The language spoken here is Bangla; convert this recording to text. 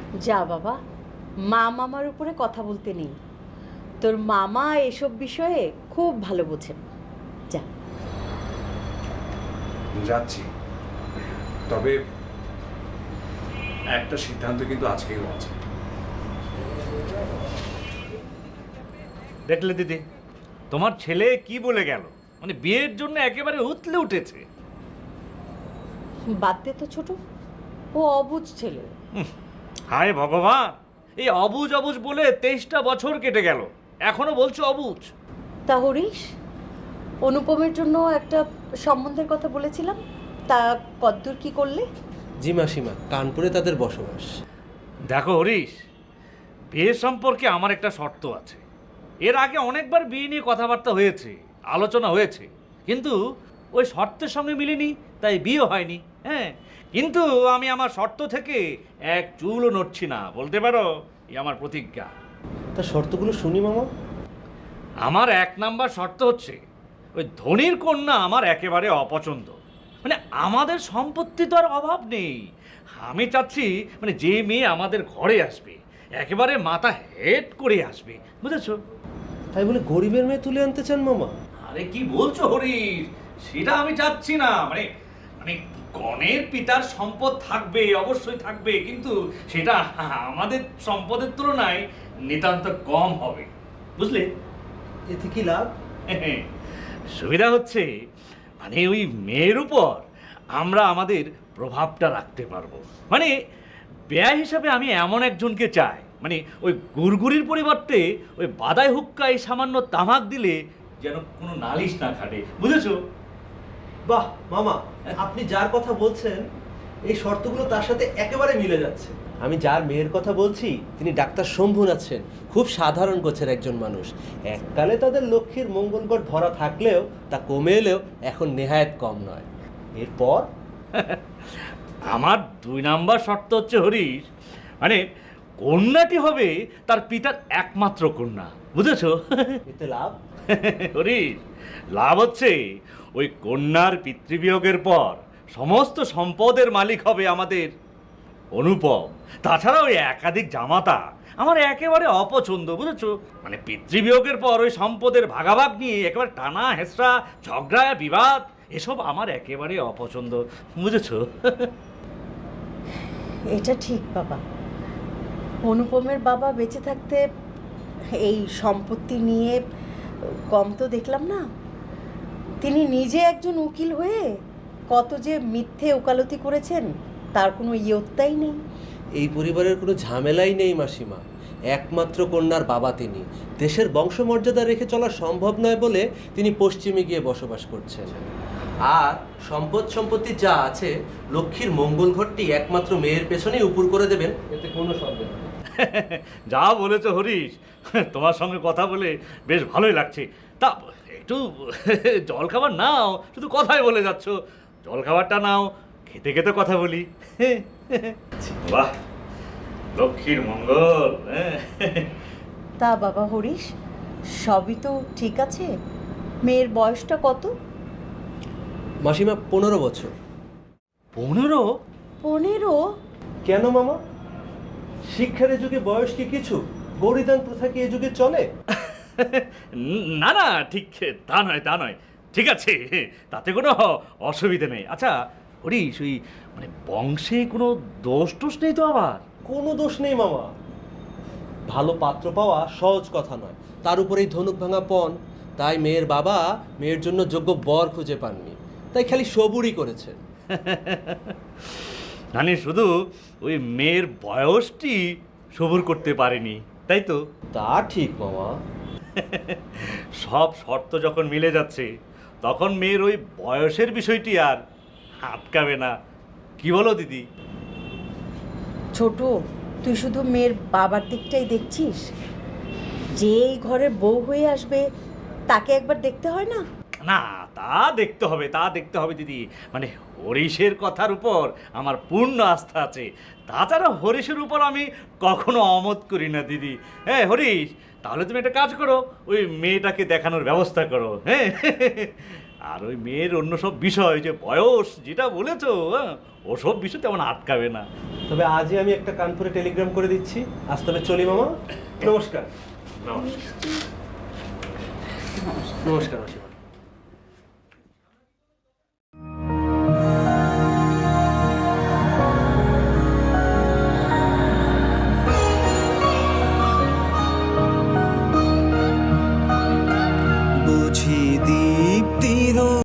যা বাবা, মা মামার উপরে কথা বলতে নেই। তোর মামা এসব বিষয়ে খুব ভালো বোঝেন। যা। যাচ্ছি, তবে একটা সিদ্ধান্ত কিন্তু আজকেও আছে। দেখলে দিদি, তোমার ছেলে কি বলে গেল, মানে বিয়ের জন্য একেবারে উতলে উঠেছে। বাদ দে তো ছোট, ও অবুঝ ছেলে। হায় ভগবান, এই অবুঝ অবুঝ বলে 23টা বছর কেটে গেল, এখনো বলছো অবুঝ। তা হরিশ, অনুপমের জন্য একটা সম্বন্ধের কথা বলেছিলাম, তা কদ্দূর কি করলে? জি মাসিমা, কানপুরে তাদের বসবাস। দেখো হরিশ, বিয়ে সম্পর্কে আমার একটা শর্ত আছে। এর আগে অনেকবার বিয়ে নিয়ে কথাবার্তা হয়েছে, আলোচনা হয়েছে, কিন্তু ওই শর্তের সঙ্গে মিলেনি, তাই বিয়ে হয়নি। হ্যাঁ, কিন্তু আমি আমার শর্ত থেকে এক চুলও নড়ছি না, বলতে পারো এই আমার প্রতিজ্ঞা। তা শর্তগুলো শুনি মামা। আমার 1 নাম্বার শর্ত হচ্ছে, ওই ধনীর কন্যা আমার একেবারে অপছন্দ। মানে আমাদের সম্পত্তি তো আর অভাব নেই। আমি চাচ্ছি মানে যে মেয়ে আমাদের ঘরে আসবে একেবারে মাথা হেড করে আসবে, বুঝেছো? তাই বলে গরিবের মেয়ে তুলে আনতে চান মামা? আরে কি বলছো হরিশ, সেটা আমি চাচ্ছি না। মানে মানে কনের পিতার সম্পদ থাকবে, অবশ্যই থাকবে, কিন্তু সেটা আমাদের সম্পদের তুলনায় নিতান্ত কম হবে, বুঝলে? এতে কি লাভ? সুবিধা হচ্ছে মানে ওই মেয়ের উপর আমরা আমাদের প্রভাবটা রাখতে পারবো। মানে ব্যয় হিসাবে আমি এমন একজনকে চাই, মানে ওই গুড়গুড়ির পরিবর্তে ওই বাদাই হুক্কায় সামান্য তামাক দিলে যেন কোনো নালিশ না খাটে, বুঝেছো? বাহ মামা, আপনি যার কথা বলছেন এই শর্তগুলো তার সাথে একেবারে মিলে যাচ্ছে। আমি যার মেয়ের কথা বলছি তিনি ডাক্তার শম্ভুনাথ সেন, খুব সাধারণ গোছের একজন মানুষ। এককালে তাদের লক্ষ্মীর মঙ্গলগড় ভরা থাকলেও তা কমে এলেও এখন নেহায়েত কম নয়। এরপর আমার 2 নাম্বার শর্ত হচ্ছে হরিশ, মানে কন্যাটি হবে তার পিতার একমাত্র কন্যা, বুঝেছো? এতে লাভ? হরিশ, লাভ হচ্ছে ওই কন্যার পিতৃবিয়োগের পর সমস্ত সম্পদের মালিক হবে আমাদের অনুপম। তাছাড়া ওই একাধিক জামাতা আমার একেবারে অপছন্দ, বুঝেছো? মানে পিতৃবিয়োগের পর ওই সম্পদের ভাগাভাগ নিয়ে একেবারে টানা হেসরা, ঝগড়া, বিবাদ, এসব আমার একেবারে অপছন্দ, বুঝেছো? এটা ঠিক বাবা, অনুপমের বাবা বেঁচে থাকতে এই সম্পত্তি নিয়ে কম তো দেখলাম না। তিনি নিজে একজন উকিল হয়ে কত যে মিথ্যে ওকালতি করেছেন তার কোনো ইয়ত্তাই নেই। এই পরিবারের কোনো ঝামেলাই নেই মাসিমা। একমাত্র কন্যার বাবা তিনি। দেশের বংশমর্যাদা রেখে চলা সম্ভব নয় বলে তিনি পশ্চিমে গিয়ে বসবাস করছেন। আর সম্পত্তি যা আছে, লক্ষ্মীর মঙ্গল ঘরটি একমাত্র মেয়ের পেছনেই উপুর করে দেবেন, এতে কোনো সন্দেহ নেই। যা বলেছো হরিশ, তোমার সঙ্গে কথা বলে বেশ ভালোই লাগছে। তা একটু জল খাবার নাও, শুধু কথাই বলে যাচ্ছ। জল খাবারটা নাও, খেতে খেতে কথা বলি। বাহ, লক্ষ্মীর মঙ্গল। তা বাবা হরিশ, সবই তো ঠিক আছে, মেয়ের বয়সটা কত? মাসিমা 15 বছর। 15? 15? কেন মামা, শিক্ষার এ যুগে বয়স কি কিছু? গৌরীদান প্রথা কি এ যুগে চলে? না না, ঠিক তা নয়, তা নয়। ঠিক আছে, তাতে কোনো অসুবিধে নেই। আচ্ছা হরিশ, ওই মানে বংশে কোনো দোষ টোষ নেই তো আবার? কোনো দোষ নেই মামা। ভালো পাত্র পাওয়া সহজ কথা নয়, তার উপরেই ধনুক ভাঙা পণ। তাই মেয়ের বাবা মেয়ের জন্য যোগ্য বর খুঁজে পাননি, তাই খালি সবুরই করেছেন। মানে শুধু ওই মেয়ের বয়সটি সবুর করতে পারেনি, তাই তো? তা ঠিক মামা। সব শর্ত যখন মিলে যাচ্ছে তখন মেয়ের ওই বয়সের বিষয়টি আর আটকাবে না, কি বলো দিদি? ছোট, তুই শুধু মেয়ের বাবার দিকটাই দেখছিস? যে এই ঘরের বউ হয়ে আসবে তাকে একবার দেখতে হয় না? না, তা দেখতে হবে, তা দেখতে হবে দিদি। মানে হরিশের কথার উপর আমার পূর্ণ আস্থা আছে। তাছাড়া হরিশের উপর আমি কখনো অমত করি না দিদি। হ্যাঁ হরিশ, তাহলে তুমি একটা কাজ করো, ওই মেয়েটাকে দেখানোর ব্যবস্থা করো। হ্যাঁ, আর ওই মেয়ের অন্য সব বিষয় যে বয়স যেটা বলেছো, ওসব বিষয় তেমন আটকাবে না। তবে আজই আমি একটা কানপুরে টেলিগ্রাম করে দিচ্ছি। আজ তবে চলি মামা, নমস্কার। নমস্কার। নমস্কার মাসিমা।